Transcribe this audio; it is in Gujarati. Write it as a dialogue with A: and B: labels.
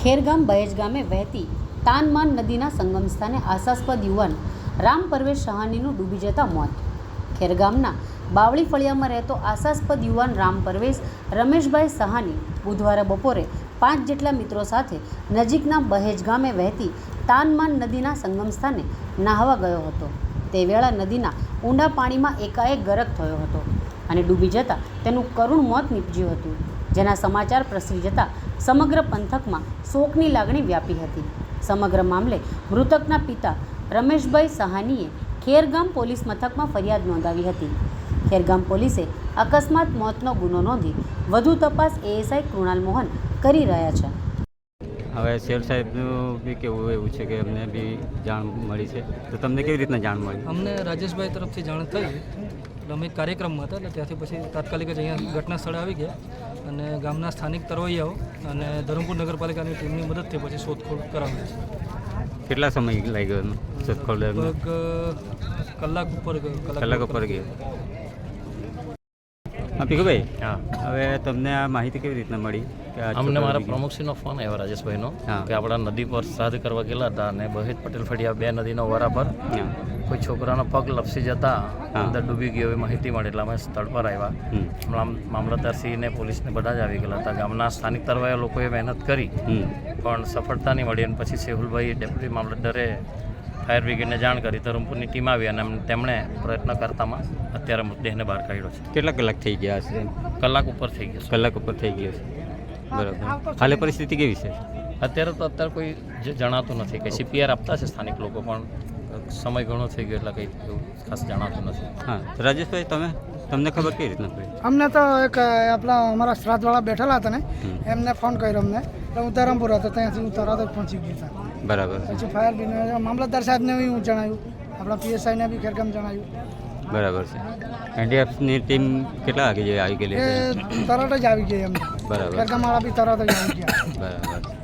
A: ખેરગામ બહેજ ગામે વહેતી તાનમાન નદીના સંગમ સ્થાને આશાસ્પદ યુવાન રામ પરવેશ સહાનીનું ડૂબી જતા મોત. ખેરગામના બાવળી ફળિયામાં રહેતો આશાસ્પદ યુવાન રામ પરવેશ રમેશભાઈ સહાની બુધવારે બપોરે 5 જેટલા મિત્રો સાથે નજીકના બહેજ ગામે વહેતી તાનમાન નદીના સંગમ સ્થાને નાહવા ગયો હતો. તે વેળા નદીના ઊંડા પાણીમાં એકાએક ગરક થયો હતો અને ડૂબી જતાં તેનું કરુણ મોત નીપજ્યું હતું, જેના સમાચાર પ્રસરી જતાં સમગ્ર પંથકમાં શોકની લાગણી વ્યાપી હતી. સમગ્ર મામલે મૃતકના પિતા રમેશભાઈ સહાનીએ ખેરગામ પોલીસ મથકમાં ફરિયાદ નોંધાવી હતી. ખેરગામ પોલીસે અકસ્માત મોતનો ગુનો નોંધી વધુ તપાસ એએસઆઈ કૃણાલ મોહન કરી રહ્યા છે.
B: હવે શેર સાહેબનું બી કેવું એવું છે કે અમને બી જાણ મળી છે, તો તમને કેવી રીતના જાણ મળી?
C: અમને રાજેશભાઈ તરફથી જાણ થઈ. એટલે અમે એક કાર્યક્રમમાં હતા, એટલે ત્યાંથી પછી તાત્કાલિક જ અહીંયા ઘટના સ્થળે આવી ગયા અને ગામના સ્થાનિક તરવૈયાઓ અને ધરમપુર નગરપાલિકાની ટીમની મદદથી પછી શોધખોળ કરાવી છે.
B: કેટલા સમય લાગ્યો શોધખોળ?
C: લગભગ કલાક ઉપર
B: ગયો. હા પીકુભાઈ,
D: હા,
B: હવે તમને આ માહિતી કેવી રીતના મળી?
D: અમને મારા પ્રમુખશ્રીનો ફોન આવ્યો રાજેશભાઈનો કે આપણા નદી પર શ્રાદ્ધ કરવા ગયેલા હતા અને બહેજ પટેલ ફળિયા 2 નદીનો વરા પર કોઈ છોકરાનો પગ લપસી જતા અંદર ડૂબી ગયો એવી માહિતી મળી. એટલે અમે સ્થળ પર આવ્યા. મામલતદારશ્રીને પોલીસને બધા જ આવી ગયેલા હતા. ગામના સ્થાનિક તરવાયા લોકોએ મહેનત કરી પણ સફળતા નહીં મળી અને પછી સેહુલભાઈ ડેપ્યુટી મામલતદારે ફાયર બ્રિગેડને જાણ કરી. ધરમપુરની ટીમ આવી અને તેમણે પ્રયત્ન કરતામાં અત્યારે મૃતદેહને બહાર કાઢ્યો છે.
B: કેટલા કલાક થઈ ગયા હશે?
D: કલાક ઉપર થઈ ગયો છે.
B: કલાક ઉપર થઈ ગયો છે. બરાબર. હાલે પરિસ્થિતિ કેવી છે?
D: અત્યારે કોઈ જે જણાતું નથી. કંઈ સીપીઆર આપતા છે સ્થાનિક લોકો, પણ સમય ઘણો થઈ ગયો એટલે કંઈ એવું ખાસ જણાતું નથી.
B: હા રાજેશભાઈ, તમને ખબર કેવી રીતના પડી?
E: અમને તો એક આપણા અમારા શ્રાદ્ધવાળા બેઠેલા હતા ને, એમને ફોન કર્યો અમને. એટલે હું ધરમપુર હતો, ત્યાંથી હું તરત જ પહોંચી ગયો હતા.
B: બરાબર.
E: પછી ફાયર બ્રિગેડ મામલતદાર સાહેબને બી હું જણાવ્યું, આપણા પીએસઆઈને બી ખેરગામ જણાવ્યું.
B: બરાબર છે. એનડીએફની ટીમ કેટલા વાગે આવી ગયેલી?
E: એ તરત જ આવી ગઈ અમને.
B: બરાબર.
E: ખેરગામવાળા બી તરત જ આવી ગયા.
B: બરાબર.